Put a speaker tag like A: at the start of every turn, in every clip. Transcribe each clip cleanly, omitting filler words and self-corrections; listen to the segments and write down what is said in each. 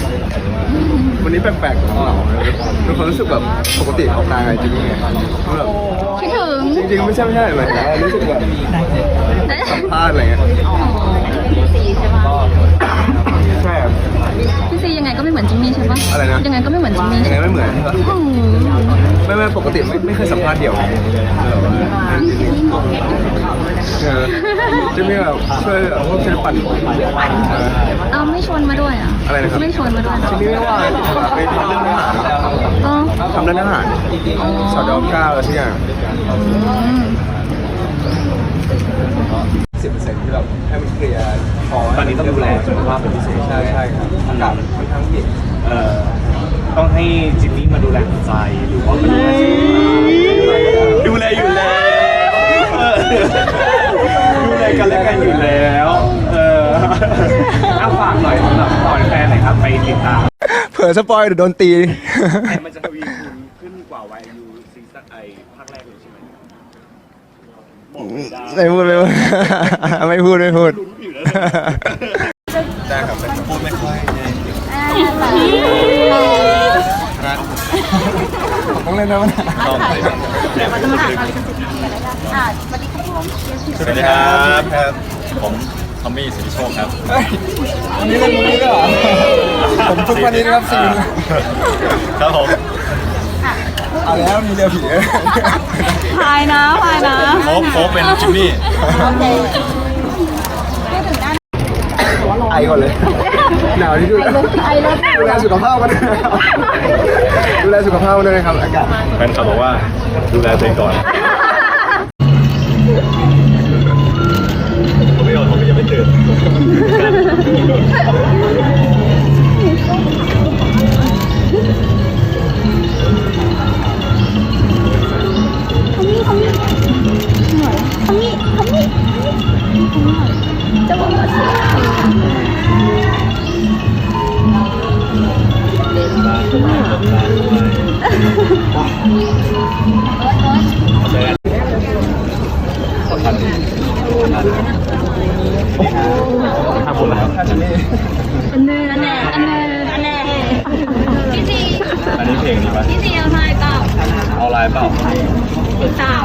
A: วันนี้แปลกๆของเราเป็นคนรู้สึกแบบปกติออกงานไงจริงๆไงแบบ
B: คิดถึง
A: จริงๆไม่ใช่หมายถึงว่ารู้สึกแบบสัมภาษณ์อะไรเงี้ย
B: ซีใช่ปะ
A: ใช่ครับ
B: พี่ซียังไงก็ไม่เหมือนจิมมี่ใช่ปะ
A: อะไรนะ
B: ยังไงก็ไม่เหมือนจิมมี่
A: ยังไงไม่เหมือนใช่ปะ
B: อืม
A: ไม่ปกติไม่เคยสัมภาษณ์เดี่ยวจะมีแบบช่วยช่วยปั่น
B: เอาไม่ชวนมาด้วยอ่ะ
A: อะไรนะครับ
B: ไม่ชวนมาด้วย
A: จะมีไม่ว่าไปทำเรื่องอาหาร
B: อ๋อ
A: ทำเรื่องอาหารสอดอ9อะไรทุกอย่าง 10%ที่แบบให้มันเคลียร์พอตอนนี้ต้องดูแลสุขภาพเป็นพิเศษใช่ครับอากาศค่อนข้างเย็น
C: ต้องให้จิมมี่มาดูแลหัวใจหรือว่ามาดูแลอยู่แล้วดูแลกันและกันอยู่แล้วฝากหน่อยสำหรับตอนแฟนหน่อยครับไปติดตาม
A: เผื่อสปอยเดี๋ยวโดนตี
C: แต่มันจะทวีคูณขึ้นกว่า YU ซีซั่นภาคแรกเลยใช่ไหมบอกไม่ได้
A: ไม่พูดไม่พูดได้ครับพูดไม่ค่อยผมต้องเล่นนะมันสวัสดีครับ
D: ผมทอมมี่สิริโชคครับ
A: วันนี้เล่นมุกนี้ด้วยเหรอผมทุกวันนี้นะครับซีน
D: ครับผม
A: เอาแล้วมีเรือผี
B: พายนะ
D: โค้กเป็นจิมมี่
A: ไอก่อนเลยหนาวที่สุดดูแลสุขภาพกันดูแลสุขภาพกันด้วยนะครับอากาศ
D: แฟนคลับบอกว่าดูแลตัวเองก่อนผมไม่ยอมผมยังไม่ตื่นห้าคนแล้ว
B: อันเน่พี่ซี
D: อันนี้เพลงนี้ปะ
B: พี่ซีเอาพายเปล่า
D: เอาไลน์เปล่า
B: เต่า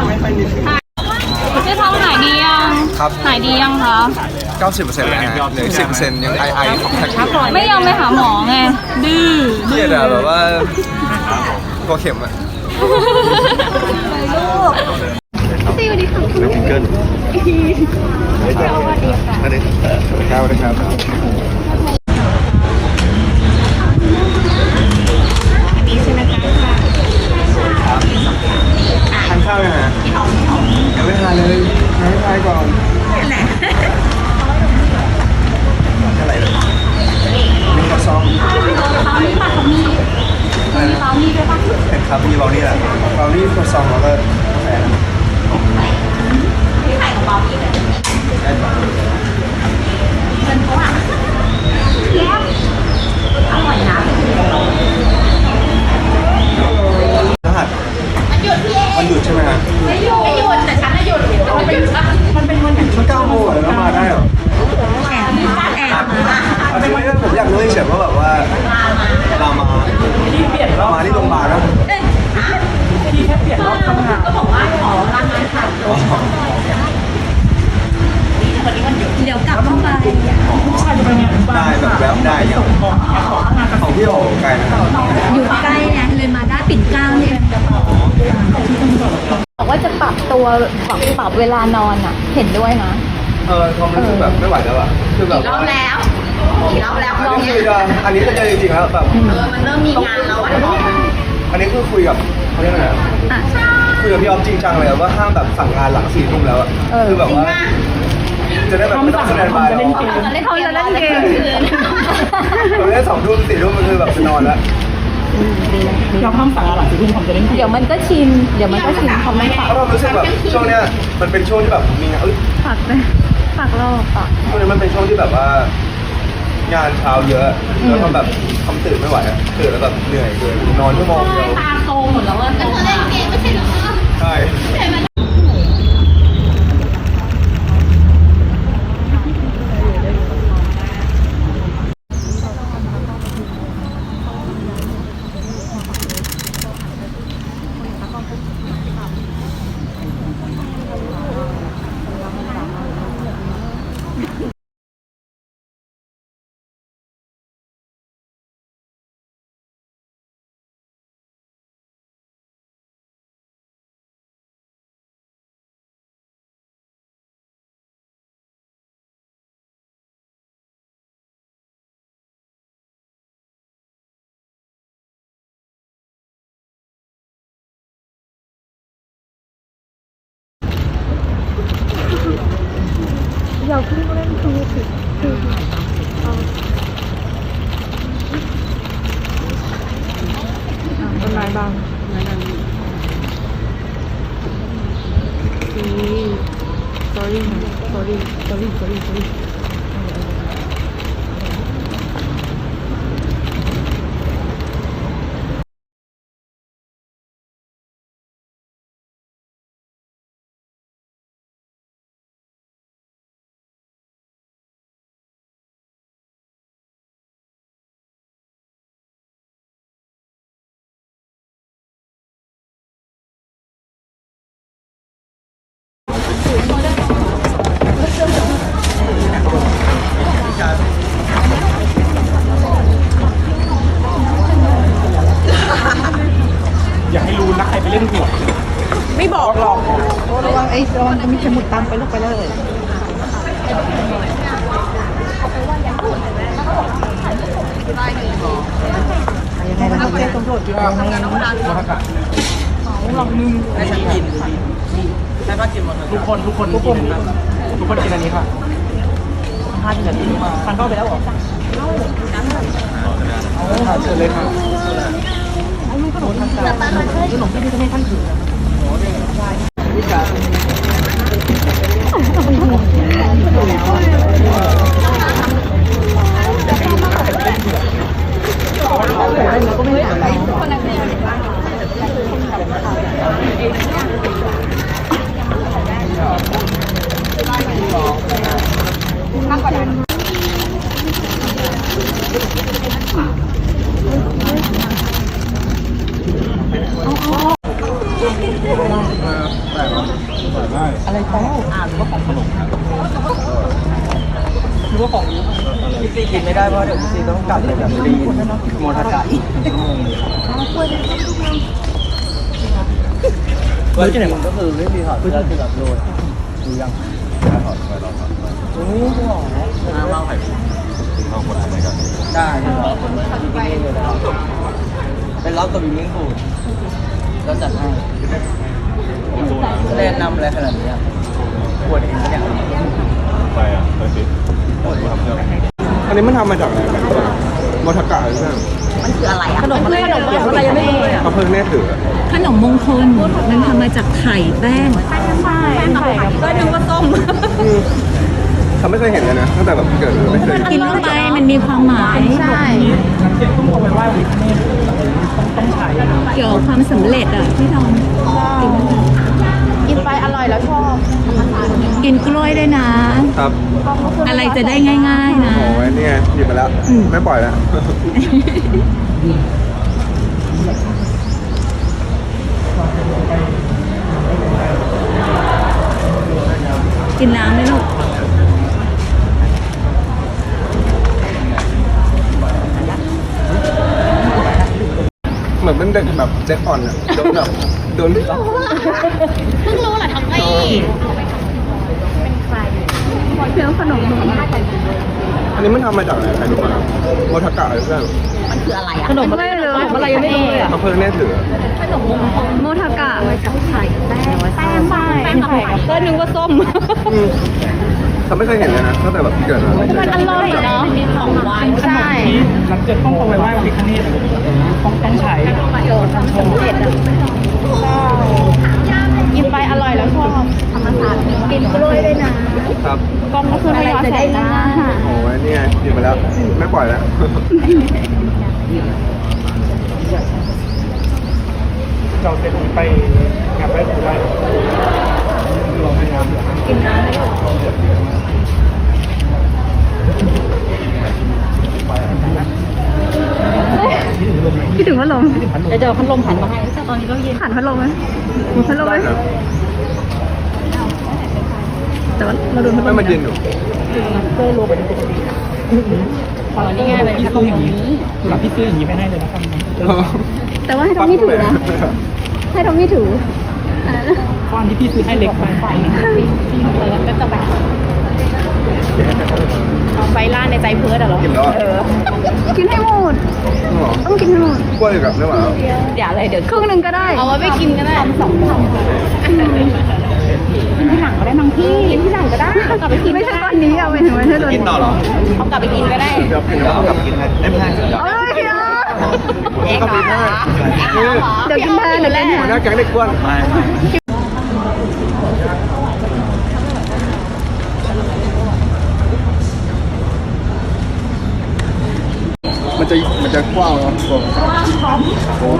B: พี่ท้องหายดียัง
A: ครับ
B: หายดียังคะ
A: 90%แล้วฮะเหลือ10%ยังไอของแท็กอยู่
B: ไม่ยอมไปหาหมอไงดื้อ
A: เครียดอะแบบว่ากลัวเข็มอะ
B: ซีสวัสดีค่ะ
A: เป็นทิงเกิลสวัสดีค่ะสวัสดีครับทานข้าวยังฮะยังไม่ทานเลยยังไม่ทานก่อนอะไรเลยมีข้าวซองเห็นครับมีเบลนี่แหละเบลนี่ข้าวซองแล้วก็กาแฟได้ปะรหัสมันหยุดใช่ไหมฮะไม่หยุดแต่ฉันหยุดมันเป็นวันอย่างชุด9 โมงแล้วมาได้เหรออันนี้ผมอยากรู้เฉยๆว่าแบบว่าเรามาที่โรงพยาบาลแล้วที่แค่เปลี่ยนรอบทำงานก็บอกว่าขอร้านงานค่ะ
B: เดี๋ยวกลับเข้าไป
A: ได้แบบแล้วได้อย่างของพี่โอ๋ไกลนะครับ
B: อยู่ใกล้ไงเลยมาได้ปิ่นเกล้าเนี่ยบอกว่าจะปรับตัวปรับเวลานอนอ่ะ เห็นด้วยนะ
A: พอมันรู้สึกแบบไม่ไหวแล้วอะคือแบบอันนี้ก็จะจริงๆแล้วแบบ
B: มันเริ่มมีงานแล้วอ่ะ
A: อันนี้คือคุยกับเขาเรียกอะไรคุยกับพี่ออฟจริงจังเลยว่าห้ามแบบสั่งงานหลัง4 ทุ่มแล้วอะคือแบบว่าจะได้แบบไม่ต้องแสดงบายหรอก
B: เขาจะเล่นเกม
A: เราเล่น2 ทุ่ม4 ทุ่มมันคือแบบจะนอนแล้ว
E: เราห้ามสั่งอาหาร4 ทุ่มผมจะเล่น
B: เดี๋ยวมันก็ชินเขาไม่ปรับ
A: เพราะเรารู้สึกแบบช่วงเนี้ยมันเป็นช่วงที่แบบมีงาน
B: ฝากรอบอ่ะ
A: ช่วงนี้มันเป็นช่วงที่แบบว่างานเช้าเยอะแล้วก็แบบทำตื่นไม่ไหวอะตื่นแล้วแบบเหนื่อยเกินนอนชั่วโมงเดียว
B: ตาโตหมดแล้วอ่ะก็เธอเล่นเกมไม่ใช่เหรอ
A: ใช่
E: ระวังจะมีเข็มหมุดตามไปลูกไปเลย ยังไงนะครับแจ้งตำรวจอยู่ในหลังนึงให้ฉันกินให้ป้ากินหมดทุกคนกินอันนี้ค่ะ5 นาทีมาทานเข้าไปแล้วเหรอเชิญเลยค่ะขนมที่นี่จะให้ท่านถืออะไรของหรือว่าของขนมหรือว่าของพี่ซีกินไม่ได้เพราะเดี๋ยวพี่ซีต้องกลับเลยแบบรีโมทากะเฮ้ยที่ไหนมันก็คือพี่ซีถอดเสื้อคือแบบโรยดูยังถอดไปลองถอดโอ้โหน้ำเล่าไข่เข้าคนอะไรกันได้ใช่ไหมเป็นล็อกตัวบิวิ่งฟูดก็จัดให้แนะนำอะไรขนาดนี้ปวดเองเนี่ย
D: ไปอ่ะไปสิทำเรื่อง
A: อันนี้มันทำมาจากอะไรกันโมทากะหรือเปล่า
B: มันคืออะไรอะขนมอะไรยังไม่รู้เลยอะ
A: เขาเพิ่งแน่ถือ
B: ขนมมงคลมันทำมาจากไข่แป้งใช่ก็นึกว่าต้ม
A: เขาไม่เคยเห็นเลยนะตั้งแต่แบบเกิดไม่เคย
B: กินเข้าไปมันมีความหมายใช่
E: ต้องไปไหว้พระพิฆเนศต้องใช้
B: เกี่ยวกับความสำเร็จอะที่ทำกินไปอร่อยแล้วชอบกินกล้วยด้วยนะครับ อะไรจะได้ง่ายๆนะ
A: โอ้ยนี่ไงหยิบมาแล้วไม่ปล่อยแล้ว
B: กินน้ำไหมลูก
A: เหมือนเป็นเด็กแบบเด็กอ่อนอ่ะโดนแบบโดน
B: เพิ่งรู้เหรอทำไมเป็นใครเพียงขนม
A: อันนี้มันทำมาจากอะไรใครรู้ป่ะโมทากะหรือเปล่า
B: มันคืออะไรอะขนมอะไรเลยอะไรยังไม่รู้เลยอะ
A: เขาเพิ่งแน่ถือ
B: ขนมโมทากะมาจากไข่แป้งไข่ก็นึกว่าส้ม
A: เขาไม่เคยเห็นเลยนะตั้งแต่แบบเกิดมาไม่เคย
B: มันอร่อยเนาะมีของหวานใช่
E: หลังจากต้องไปไหว้พระพิฆเนศต้องใช้
B: โดนทำสำเร็จอะกินไปอร่อยแล้วชอบธรรมศาสตร์กินกล้วยด้วยนะครับ กล้องก็คือไม่ย้อนแสงนะ
A: โอ้ยนี่ไงหยิบมาแล้วไม่ปล่อยแล้ว
E: เราจะไปงานไหว้ครูได้
B: กินน้ำไหมลูกคิดถึงพัดลมจะเจอพัดลมหันมาให้ตอนนี้ก็เย็นหันพัดลมไหมพัดลมไหมแต่ว่าเราโดนพัดล
A: ไม่
B: ม
A: มาเย็นอยู่
E: เจอโลไปปกติ
B: อ๋อนี่ไงเป็นพัดลมอย่างนี้
E: หลับพี่ซื้ออย่างนี้ไม่ได้เลยนะครับ
B: แต่ว่าให้ทอมมี่ถือนะให้ทอมมี่ถือ
E: ก้อนที่พี่ซื้อให้เล็กไปแล้วก็จะแบบเอาไฟล่าในใจเพิร์ดเหรอ
A: กินแล้วอ่ะ
B: กินให้หมด ต้องกินให้หมด
A: กล้วยกับไม่หวาน
B: เดี๋ยวอะไรเดี๋ยวครึ่งหนึ่งก็ได้ เอาไว้ไปกินก็ได้2
E: กินที่หลังก็ได้มั้งพี่กินที่หลังก็ได้กลับไปกิน
B: ไม่ใช่ตอนนี้เอาไปถึงไม่ใช่ตอนนี้
A: กินต่อเหรอ
E: เอากลับไปกินก็ได้
A: เดี๋ยวกินแล้วกลับกินให้ไม่ใช่เดี๋ยว
B: เอ้ยเดี๋ยว
A: เองเหรอ
B: เดี๋ยวกินแทนเดี๋ยวกินแท
A: หัวน หน้าแก๊งเด็กกวนมันจะกว้างเนาะโอ้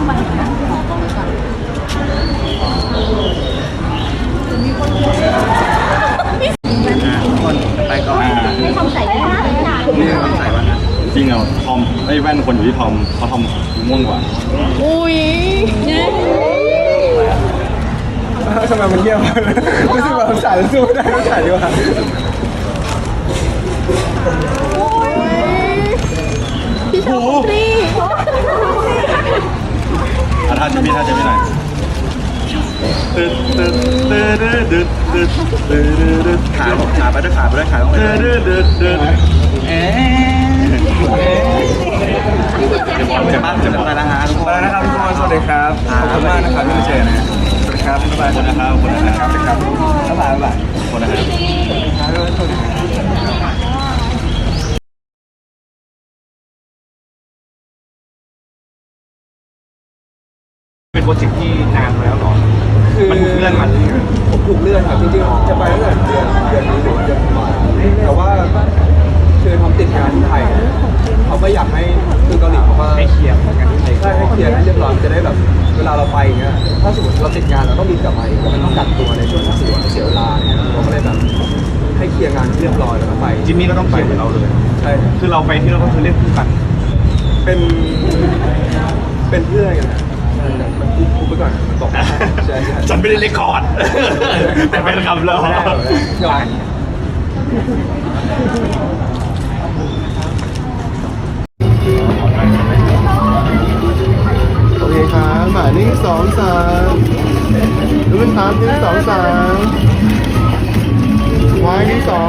A: คนไปก่อนนี่ทำใส่วันนะ
D: จริงเหรอทอมไอ้แว่นคนอยู่ที่ทอมเขาทอมม่วงกว่า
A: ทำไมมันเยี่ยมรู้สึกว่าสายสู้ไม่ได้ต้องสายดีกว่า
B: พี่ชอบฟรี
D: ถ้าจะไม่หน่อยตึ๊ดตึ๊ดตึ๊ด
A: ขาไปด้วยขาไปด้วยขาต้องไปด้วยจะมากจะไปแล้วฮะทุกคนนะครับทุกคนสวัสดีครับขอบคุณมากนะครับที่มาเจอนะสวัสดีครับบ๊ายบายนะครับขอบคุณนะครับบ๊ายบายบ๊ายบายขอบคุณนะครับเป็นโปรเจกต์ที่นานมาแล้วหรอมันเลื่อนมาผมถูกเลื่อนครับจริงๆจะไปตั้งแต่เดือนนี้หรือเดือนแต่ว่าคือทำติดงานที่ไทยเขาก็อยากให้คือเกาหลีเขาก็ให้เคลียร์งานที่ไทยใช่ให้เคลียร์ให้เรียบร้อยจะได้แบบเวลาเราไปอย่างเงี้ยถ้าสมมติเราติดงานเราต้องบินกลับมาอีกมันต้องกักตัวในช่วงที่เสียเวลาเนี่ยเราก็เลยแบบให้เคลียร์งานเรียบร้อยแล้วก็ไปจิมมี่ก็ต้องเคลียร์เหมือนเราเลยใช่คือเราไปที่เราก็คือเรียกคู่กันเป็นเพื่อนกันนะมันพูดไปก่อนมันบอกใช่ฉันไม่ได้เรคคอร์ดแต่เป็นคำเรา
F: โอเคครับหมายเลข2-3ดูเป็นครับเลข2-3วายเลข2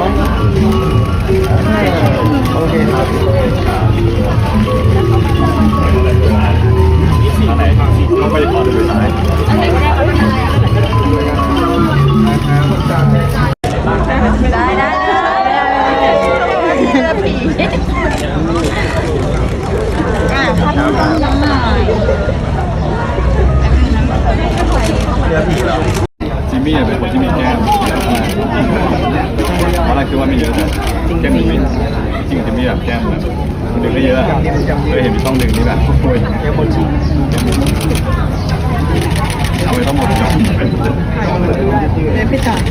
F: โอเคครับ
D: ต้องไปขอดูไปซ้าย
B: ได้เสื้อผีพัดลมหน่อย
D: จิมมี่เป็นคนที่มีแก้มเพราะอะไรคือว่ามีเยอะแต่แก้มมีจริงจิมมี่แบบแก้มแบบดึงได้เยอะเคยเห็นมีช่องดึงนี่แบบโอ้ยแก้มหมดจริงเอาไปต้องหมดก่อน
B: พี่ต่อ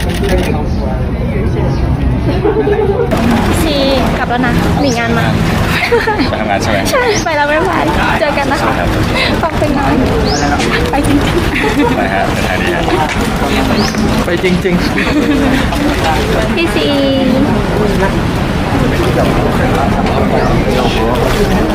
B: ชีกลับแล้วนะมีงานมา
D: ไปทำงานใช่ไหม
B: ใช่ไปแล้วไม่ไหวเจอกันนะคะฟังเป็นงานไปจริง
D: ไปฮะเป็นไงดีฮะ
F: ไปจริง
B: ๆพี่ซี